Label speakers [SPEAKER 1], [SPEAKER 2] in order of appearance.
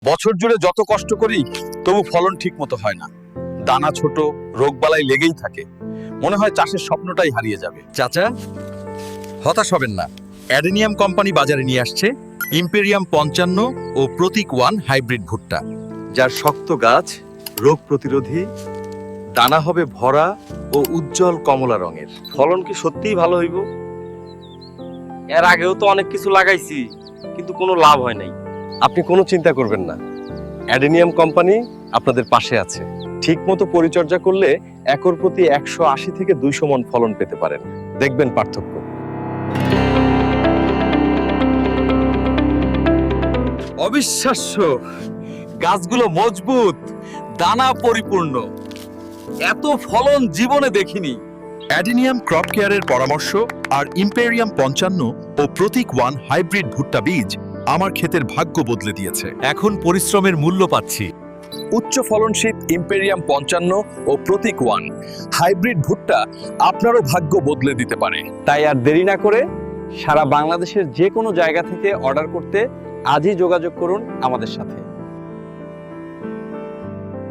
[SPEAKER 1] বছর জুড়ে যত কষ্ট করি তবু ফলন ঠিক মতো হয় না। দানা ছোট, রোগবালাই লেগেই থাকে। মনে হয় চাষের স্বপ্নটাই হারিয়ে যাবে।
[SPEAKER 2] চাচা, হতাশ হবেন না। অ্যাডেনিয়াম কোম্পানি বাজারে নিয়ে আসছে ইম্পেরিয়াম 55 ও প্রতীক 1 হাইব্রিড ভুট্টা, যার শক্ত গাছ, রোগ প্রতিরোধী, দানা হবে ভরা ও উজ্জ্বল কমলা রঙের।
[SPEAKER 3] ফলন কি সত্যিই ভালো হইব? এর আগেও তো অনেক কিছু লাগাইছি, কিন্তু কোনো লাভ হয় নাই।
[SPEAKER 2] আপনি কোনো চিন্তা করবেন না, অ্যাডেনিয়াম কোম্পানি আপনাদের পাশে আছে। ঠিকমতো পরিচর্যা করলে একর প্রতি 180 থেকে 200 মণ ফলন পেতে পারেন। দেখবেন পার্থক্য।
[SPEAKER 1] অবিশ্বাস্য, গাছগুলো মজবুত, দানা পরিপূর্ণ। এত ফলন জীবনে দেখিনি।
[SPEAKER 4] অ্যাডেনিয়াম ক্রপ কেয়ারের পরামর্শ আর ইম্পেরিয়াম 55 ও প্রতীক 1 হাইব্রিড ভুট্টা বীজ আমার ক্ষেতের ভাগ্য বদলে দিয়েছে।
[SPEAKER 2] এখন পরিশ্রমের মূল্য পাচ্ছি।
[SPEAKER 1] উচ্চ ফলনশীল ইম্পেরিয়াম 55 ও প্রতীক 1 হাইব্রিড ভুট্টা আপনারও ভাগ্য বদলে দিতে পারে।
[SPEAKER 3] তাই আর দেরি না করে সারা বাংলাদেশের যে কোনো জায়গা থেকে অর্ডার করতে আজই যোগাযোগ করুন আমাদের সাথে।